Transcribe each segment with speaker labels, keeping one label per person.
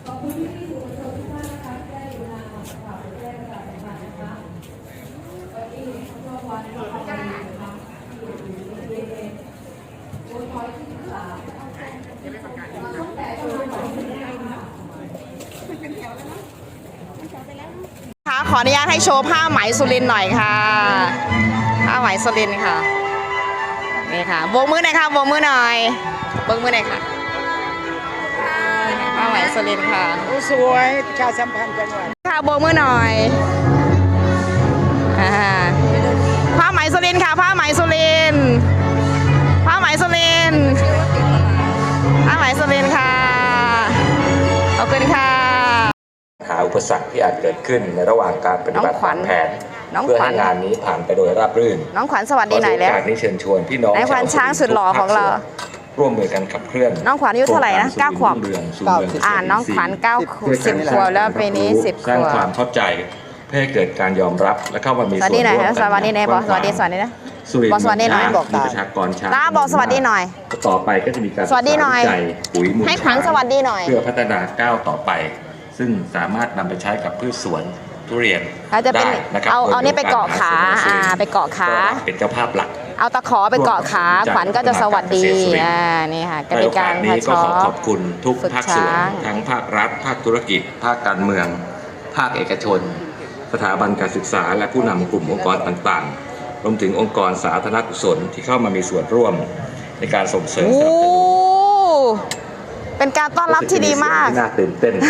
Speaker 1: ขอบคุณที่สื่อมวลชนทุกท่านนะคะที่ได้ดูงานข่าวแจ้งการทำงานนะคะวันนี้เมื่อวันที่เราทำงานนะคะที่อยู่ในโอนพอยที่13ตั้งแต่ช่วงบ่ายถึงค่
Speaker 2: ะขออนุญาตให้โชว์ผ้าไหมสุรินทร์หน่อยค่ะผ้าไหมสุรินทร์ค่ะนี่ค่ะโบกมือหน่อยค่ะโบกมือหน่อยโบกมือหน่อยค่ะผ้าไหมสุรินทร์ค่ะ
Speaker 3: สวยประชาสัมพันธ์จังหวัด
Speaker 2: ค่ะโบกมือหน่อยผ้าไหมสุรินทร์ค่ะผ้าไหมสุรินทร์ผ้าไหมสุรินทร์ผ้าไหมสุรินทร์ค่ะขอบคุณค่ะ
Speaker 4: หาอุปสรรคที่อาจเกิดขึ้นในระหว่างการปฏิบัติตามแผนเพื่อให้งานนี้ผ่านไปโดยราบรื่น
Speaker 2: น้องขวัญสวัสดีหน่อยแล้ว
Speaker 4: การนี้เชิญชวนพี่น้อง
Speaker 2: นายขวัญช้างสุดหล่อของเรา
Speaker 4: ร่วมมือกันขับเคลื่อน
Speaker 2: น้องขวัญอายุเท่าไหร่นะ9 ขวบน้องขวัญ10 ขวบแล้วปีนี้10 ขวบ
Speaker 4: สร้างความเข้าใจเพื่อให้เกิดการยอมรับและเข้ามามีส่วนร่วมกัน
Speaker 2: สวัสดีหน่อยบอกสวัสดีนะบอกสวัสดีหน่อย
Speaker 4: บอกมีประชากรช้าง
Speaker 2: บอกสวัสดีหน่อย
Speaker 4: ต่อไปก็จะมีการ
Speaker 2: สวัสดีหน่อย
Speaker 4: ปุ๋ยมูล
Speaker 2: ให้ขวัญสวัสดีหน่อย
Speaker 4: เพื่อพัฒนาก้าวต่อไปซึ่งสามารถนำไปใช้กับพืชสวนทุเรียนได้นะครับ
Speaker 2: เอานี่ไปเกาะขาไปเกาะขา
Speaker 4: เป็นเจ้าภาพหลัก
Speaker 2: เอาตะขอไปเกาะขาขวัญก็จะสวัสดีนี่ค่ะก็เป็นการ
Speaker 4: นี้ก็ขอบคุณทุกภาคส่วนทั้งภาครัฐภาคธุรกิจภาคการเมืองภาคเอกชนสถาบันการศึกษาและผู้นำกลุ่มองค์กรต่างๆรวมถึงองค์กรสาธารณกุศลที่เข้ามามีส่วนร่วมในการส่งเสริม
Speaker 2: เป็นการต้อนรับที่ดีมาก
Speaker 4: น่าตื่นเต้น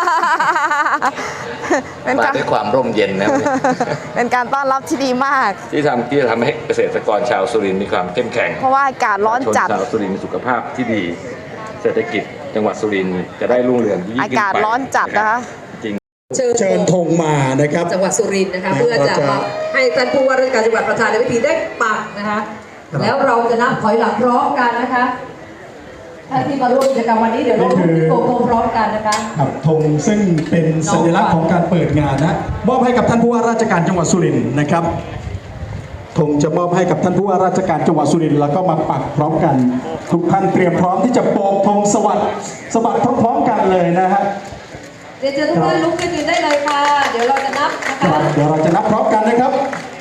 Speaker 4: มาด้วยความร่มเย็นนะ
Speaker 2: เป็นการต้อนรับที่ดีมาก
Speaker 4: ที่จะทำให้เกษตรกรชาวสุรินทร์มีความเข้มแข็ง
Speaker 2: เพราะว่าอากาศร้อนจัด
Speaker 4: ชาวสุรินทร์มีสุขภาพที่ดีเศรษฐกิจจังหวัดสุรินทร์จะได้รุ่งเรืองยิ่งขึ้นไป
Speaker 2: อากาศร้อนจัดนะคะ
Speaker 3: เชิญธงมานะครับ
Speaker 1: จังหวัดสุรินทร์นะคะเพื่อจะมาให้ท่านผู้ว่าราชการจังหวัดประธานในพิธีได้ปักนะคะแล้วเราจะนับถอยหลังพร้อมกันนะคะท่านที่มาร่วมกิจกรรมวันนี้เดี๋ยวเราลุกขึ้นโกงพร้อมกันนะคะ
Speaker 3: ธงซึ่งเป็นสัญลักษณ์ของการเปิดงานนะมอบให้กับท่านผู้ว่าราชการจังหวัดสุรินทร์นะครับธงจะมอบให้กับท่านผู้ว่าราชการจังหวัดสุรินทร์แล้วก็มาปักพร้อมกันทุกท่านเตรียมพร้อมที่จะโบกธงสวัสดิ์พร้อมๆกันเลยนะฮะ
Speaker 1: เดี๋ยวทุกท่านลุกขึ้นยืนได้เลยค่ะเดี๋ยวเราจะนับนะคะ
Speaker 3: เดี๋ยวเราจะนับพร้อมกันนะครับ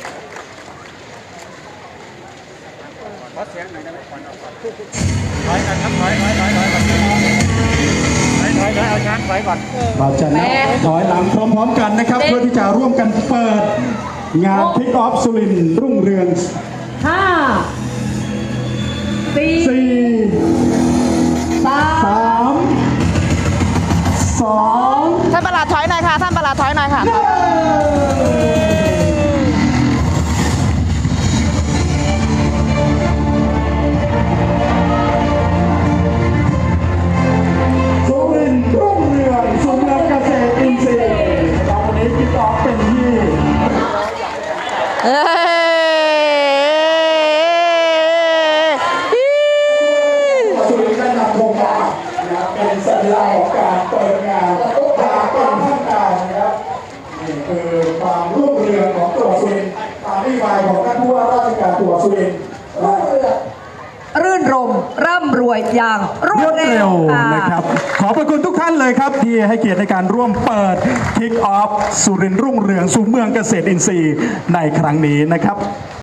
Speaker 3: ถอยกันครับถอยเอาช้างถอยก่อนเราจะนับถอยหลังพร้อมๆกันนะครับเพื่อที่จะร่วมกันเปิดงานคิกออฟสุรินทร์รุ่งเรือง
Speaker 1: 5 4 3 2
Speaker 2: ท่านประหลัดถอยหน่อยค่ะท่านประหลัดถอยหน่อยค่ะ
Speaker 3: สุรินทร์รุ่งเรืองสุเมืองเกษตรอินทรีย์เราวันนี้คิกออฟเป็นที่สุรินทร์ได้นำธงมาเป็นสัญลักษณ์ของการเปิดงานตาต้นท่านกลางนะครับนี่คือความรุ่งเรืองของจังหวัดสุรินทร์ตามนโยบายของท่านผู้ว่าราชการจังหวัดสุรินทร์
Speaker 1: รื่นรมร่ำรวยอย่างรวดเร็ว
Speaker 3: นะครับขอบพระคุณทุกท่านเลยครับที่ให้เกียรติในการร่วมเปิดคิกออฟสุรินทร์รุ่งเรืองสู่เมืองเกษตรอินทรีย์ในครั้งนี้นะครับ